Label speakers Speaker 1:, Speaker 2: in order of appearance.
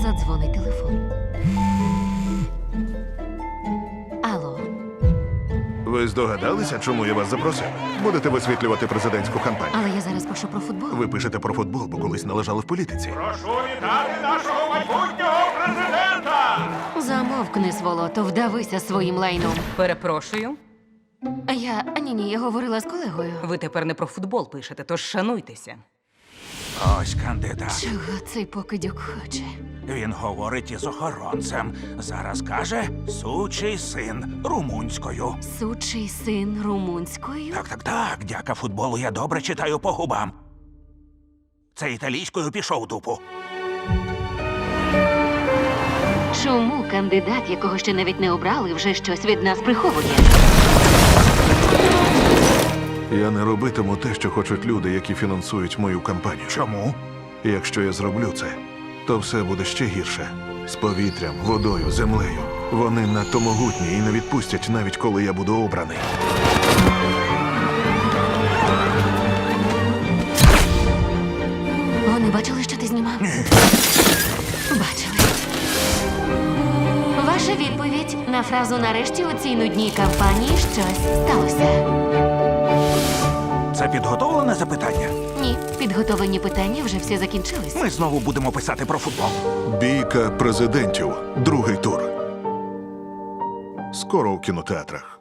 Speaker 1: Задзвонить телефон. Алло.
Speaker 2: Ви здогадалися, чому я вас запросив? Будете висвітлювати президентську кампанію.
Speaker 1: Але я зараз пишу про футбол.
Speaker 2: Ви пишете про футбол, бо колись належали в політиці.
Speaker 3: Прошу вітати нашого майбутнього президента!
Speaker 1: Замовкни, сволото, вдавися своїм лайном.
Speaker 4: Перепрошую,
Speaker 1: Ні, я говорила з колегою.
Speaker 4: ви тепер не про футбол пишете, тож шануйтеся.
Speaker 5: Ось кандидат.
Speaker 1: Чого цей покидьок хоче?
Speaker 5: Він говорить із охоронцем. Зараз каже «сучий син» румунською.
Speaker 1: Сучий син румунською?
Speaker 5: Так, дяка футболу я добре читаю по губам. Це італійською пішов дупу.
Speaker 1: Чому кандидат, якого ще навіть не обрали, вже щось від нас приховує?
Speaker 2: Я не робитиму те, що хочуть люди, які фінансують мою кампанію.
Speaker 5: Чому?
Speaker 2: Якщо я зроблю це, то все буде ще гірше. З повітрям, водою, землею. Вони надто могутні і не відпустять, навіть коли я буду обраний.
Speaker 1: Вони бачили, що ти знімав? Бачили. Ваша відповідь на фразу «нарешті у цій нудній кампанії щось сталося».
Speaker 5: Це підготовлене запитання?
Speaker 1: Ні, підготовлені питання вже всі закінчились.
Speaker 5: Ми знову будемо писати про футбол.
Speaker 2: Бійка президентів. Другий тур. Скоро у кінотеатрах.